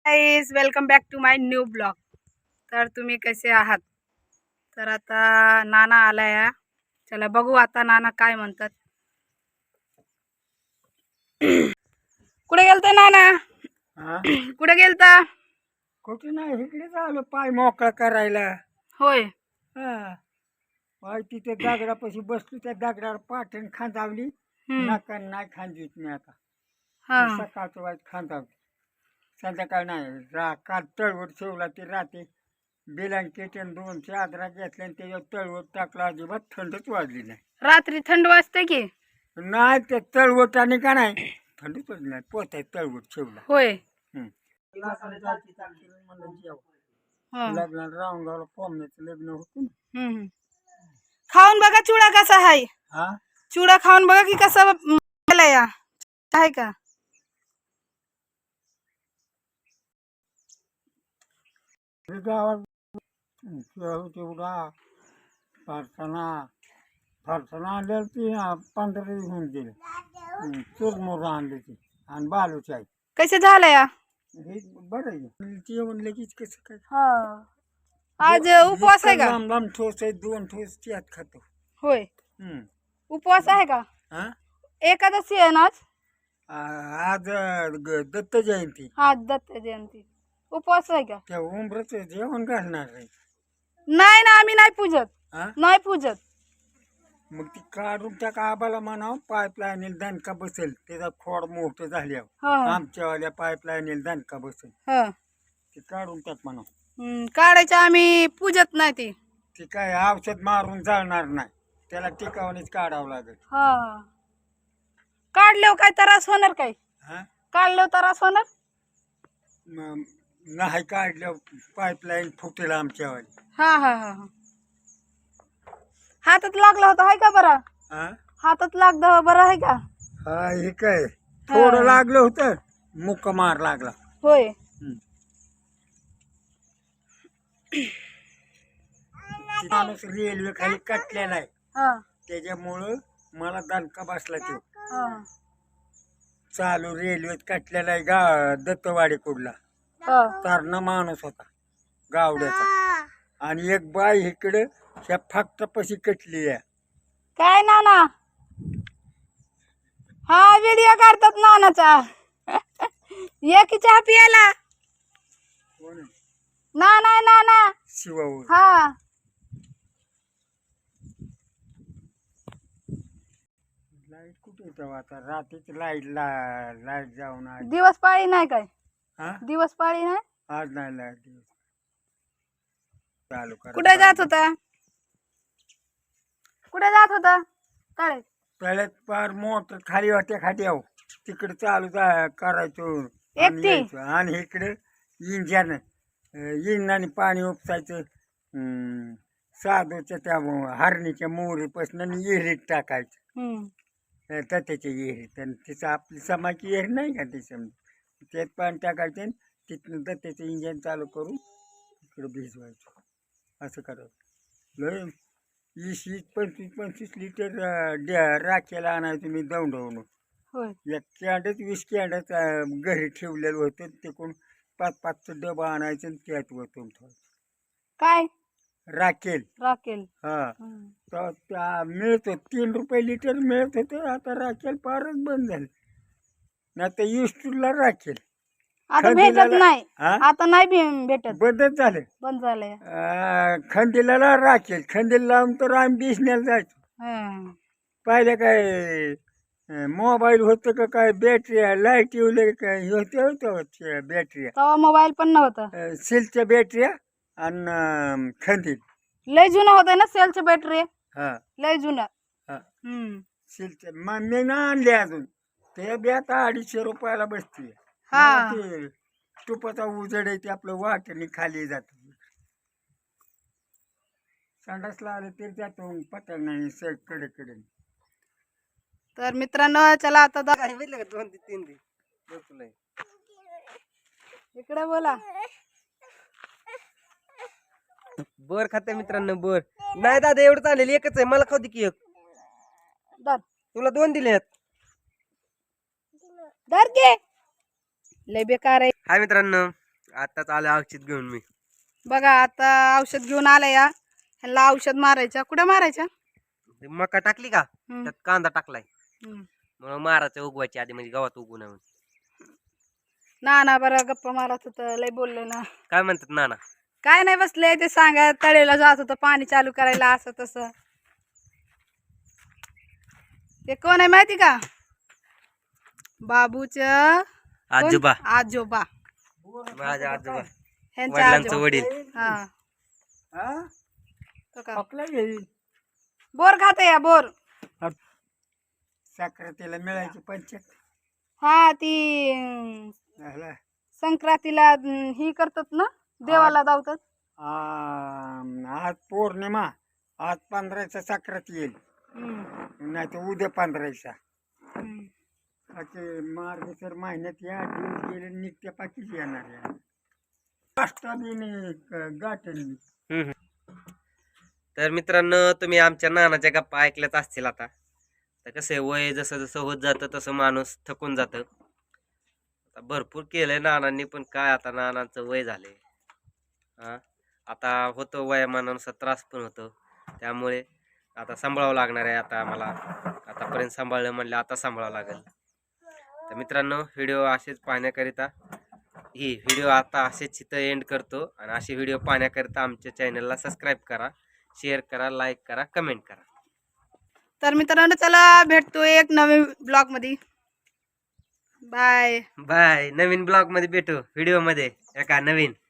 Guys welcome back to my new blog. तर तुम्ही कसे आहात? तर आता नाना आलाय. चला बघू आता नाना काय म्हणतात. कुठे गेलता नाना? कुठे गेलता? कुठे नाही, इकडेच आलो पाय मोकळा करायला. होय. पाय तिथे दगडापाशी बसलो, त्या दगडावर पाठण खांदावली. नका नाही खांदीत मी आता. सकाळचं वाईट खांदावली, संध्याकाळ नाही. काल तळवट ठेवला ते रात्री ब्लँकेट आणि 2 चादरा घेतल्या आणि त्याच्यावर तळवट टाकला. अजिबात थंडच वाजली नाही. रात्री थंड वाजते की नाही, ते तळवटाने का नाही थंडच वाजली नाही. पोताय तळवट ठेवला. होय. लग्नाला राऊंडगावला कोंबण्याचं लग्न होतं ना. खाऊन बघा चुडा कसा आहे. चुडा खाऊन बघा की कसा आहे का. गावात तेवढा फरसाणा आणल्या ती 15 दिवस होऊन गेले. चुरमुर आणली ती आणि बालूची आई. कसे झालंय? हे बरं आहे. जेवण लगेच कसं काय. आज उपवास आहे का? लांब लांब ठोस आहे, 2 ठोस त्यात खातो. होय. उपवास आहे का? एकादशी आहे ना आज. आज दत्त जयंती. आज दत्त जयंती. उपवास आहे का? त्या उंबरच जेवण घालणार आहे. नाही ना, आम्ही नाही पूजत. नाही पूजत. मग ती काढून त्या आबाला म्हणावं पाईपलाईन दणका बसेल. त्याचा खोड मोठं झाल्यावर आमच्यावाल्या पाईपलाईन दणका बसेल. ती काढून त्यात म्हणावं. काढायचं, आम्ही पूजत नाही ती. ती काय औषध मारून जाणार नाही, त्याला टिकावणीच काढावं लागेल. काढल्यावर काय त्रास होणार? काय काढल्यावर त्रास होणार नाही. काढल्यावर पाईपलाईन फुटेल आमच्यावाली. हातात लागलं होतं आहे का बरं? हातात लागलं बरं आहे का? हे काय थोडं लागलं होतं, मुक्का मार लागला. होय. माणूस रेल्वे खाली कटलेला आहे, त्याच्यामुळं मला दणका बसला. तो चालू रेल्वेत कटलेला आहे. दत्तवाडी कुडला तरणा माणूस होता गावड्याचा, आणि एक बाई इकडे ह्या फाकटापाशी कटली आहे. काय नाना? व्हिडिओ काढतात नानाचा. एक चहा पियाला. नाना नाना शिवावर. लाईट कुठे तेव्हा आता रात्रीच लाईट जाऊन आली. दिवस पाळी नाही काय? दिवस पाळी नाही आज नाही लाईट. चालू करा. कुठे जात होता? कुठे जात होता? तळ्यात पार मोटर खाली वाटते खाली आहो, तिकडे चालू करायचो आणि इकडे इंजनाने पाणी उपसायचं. साधूच्या त्या हरणीच्या मोहरीपासून विहिरीत टाकायचं. त्याच्या विहिरीत, आणि तिचं आपली समाची विहीर नाही का, त्याच्यामध्ये त्यात पाणी टाकायचं. तिथनं त्याचं इंजन चालू करून इकडे भिजवायचं. असं करायचं. लय 20-25 लिटर राखेला आणायचं मी दौंडवून. एक कॅन्डच 20 कॅन्डच घरी ठेवलेलं होतं. ते कोण 5-5चं डबा आणायचं आणि त्यात वतून ठेवायचं. काय राखेल. तर मिळत 3 रुपये लिटर मिळत होतं. आता राखेल फारच बंद झालं. नाही तर युस्टूला राखेल आता भेटत नाही. आता नाही भेटत, बंदच झालं. बंद झालंय. खंदीला राखेल, खंदीला लावून तर आम्ही दिसण्याला जायचो. पाहिलं काय मोबाईल होतं का काय, बॅटरी लाईट येऊ काय होते बॅटरी. तेव्हा मोबाईल पण नव्हता. सेलच्या बॅटरी आणि खंदील लय जुना होता ना सेलची बॅटरी. लय जुना. सेलच्या मी ना आणले अजून. ते बी आता 250 रुपयाला बसते. तुपाचा उजड आहे, ते आपलं वाटणी खाली जात. संडासला आलं तरी जातो पटल नाही कडे. तर मित्रांनो चला आता 2-3 इकडे बोला. बर खाते मित्रांनो. बर नाही दादा, एवढं चालेल. एकच आहे, मला खाऊ दे की एक. तुला 2 दिलेत. लय बेकार आहे. हाय मित्रांनो, आताच आलं औषध घेऊन मी. बघा आता औषध घेऊन आलं या. ह्याला औषध मारायचं. कुठे मारायचं? ते मका टाकली का हम्म, त्यात कांदा टाकलाय हम्म. म्हणून मारायचं उगवायची आधी म्हणजे गावात उगू नये म्हणून. नाना बरं गप्पा मारत होतं, लय बोलले ना. काय म्हणतात नाना? काय नाही बसले ते सांगा, तळेला जात होतं पाणी चालू करायला असं तसं. ते कोण आहे माहिती का? बाबूच आजोबा, आजोबा, माझ्या आजोबा, ह्यांच्या वडिलांचं आजोबा. वडील. हा हा तो का आपला येईल बोर खाते या बोर. साखरेला मिळायची पंचायत हा ती झाला. संक्रांतीला ही करतात ना, देवाला दावतात. आज पौर्णिमा, आज 15चा साखरात येईल, हम्म, नाही तर उद्या 15चा. हम्म. असे मार्गसर महिन्यात या दिवस गेले निघत्या पाकीच येणार या गाठेल. हम्म. तर मित्रांनो तुम्ही आमच्या नानाच्या गप्पा ऐकल्याच असतील. आता तर कसं आहे, वय जसं जसं होत जातं तसं माणूस थकून जातं. आता भरपूर केलंय नानांनी, पण काय आता नानांचं वय झालंय. हा आता होतो वयामानानुसार त्रास पण होतो, त्यामुळे आता सांभाळावं लागणार आहे. आता आम्हाला आतापर्यंत सांभाळलं म्हणलं आता सांभाळावं लागेल. तर मित्रांनो व्हिडिओ असेच पाहण्याकरिता ही व्हिडिओ आता असेच इथं एंड करतो. आणि असे व्हिडिओ पाहण्याकरिता आमच्या चॅनलला सबस्क्राईब करा, शेअर करा, लाईक करा, कमेंट करा. तर मित्रांनो चला भेटतो एक नवीन ब्लॉग मध्ये. बाय. बाय. नवीन ब्लॉग मध्ये भेटू, व्हिडिओ मध्ये एका नवीन.